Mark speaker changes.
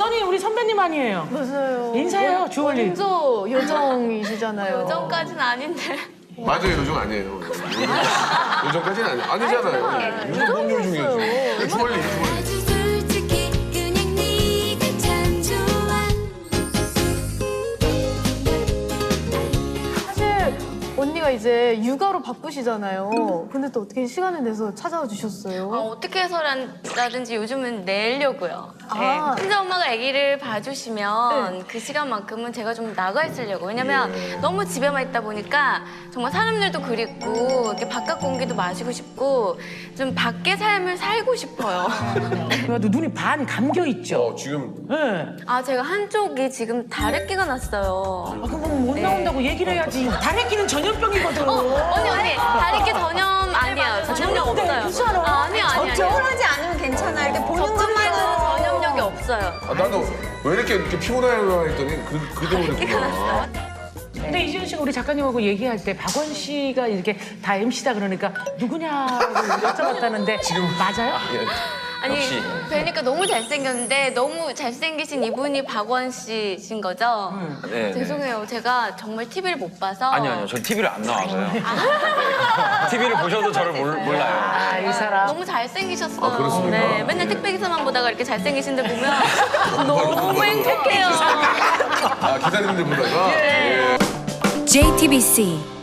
Speaker 1: 써니 우리 선배님 아니에요?
Speaker 2: 맞아요.
Speaker 1: 인사해요, 주얼리.
Speaker 2: 먼저 요정이시잖아요.
Speaker 3: 요정까지는 아닌데.
Speaker 4: 맞아요, 요정 아니에요. 요정까지는 아니잖아요. 요정 뭔 요정이에요? 주얼리.
Speaker 5: 아주 솔직히 그냥 네가 참 좋아.
Speaker 2: 사실 언니가 이제 육아로 바쁘시잖아요. 근데 또 어떻게 시간을 내서 찾아와 주셨어요?
Speaker 3: 어떻게 해서라든지 요즘은 내려고요.
Speaker 2: 아.
Speaker 3: 네. 혼자 엄마가 아기를 봐주시면 그 시간만큼은 제가 좀 나가 있으려고. 왜냐면 너무 집에만 있다 보니까 정말 사람들도 그립고 이렇게 바깥 공기도 마시고 싶고 좀 밖의 삶을 살고 싶어요.
Speaker 1: 그래도 눈이 반 감겨 있죠.
Speaker 4: 지금
Speaker 1: 네.
Speaker 3: 아 제가 한쪽이 지금 다래끼가 났어요.
Speaker 1: 그럼 못 나온다고 얘기를 해야지. 다래끼는 전염병이거든.
Speaker 3: 언니 다래끼 전염 아니에요. 전염력 없어요.
Speaker 1: 괜찮아.
Speaker 3: 아니요.
Speaker 6: 걱정하지 않으면 괜찮아. 이렇게 보는 것만으로
Speaker 3: 전염력이 없어요.
Speaker 4: 나도 왜 이렇게 피곤해요 했더니 그 때문이구나.
Speaker 1: 근데 이지은 씨가 우리 작가님하고 얘기할 때 박원 씨가 이렇게 다 MC다 그러니까 누구냐고 여쭤봤다는데
Speaker 4: 지금
Speaker 1: 맞아요?
Speaker 3: 아니
Speaker 7: 역시.
Speaker 3: 뵈니까 너무 잘생겼는데 너무 잘생기신 이분이 박원 씨신 거죠?
Speaker 7: 네.
Speaker 3: 죄송해요. 제가 정말 TV를 못 봐서.
Speaker 7: 아니요. 저 TV를 안 나와서요. TV를 보셔도 저를 몰라요.
Speaker 1: 아, 이 사람.
Speaker 3: 너무 잘생기셨어요.
Speaker 4: 아, 그렇습니까?
Speaker 3: 네, 맨날 택배 기사만 보다가 이렇게 잘생기신 데 보면 너무 행복해요.
Speaker 4: 기다리는 데 보다가.
Speaker 5: JTBC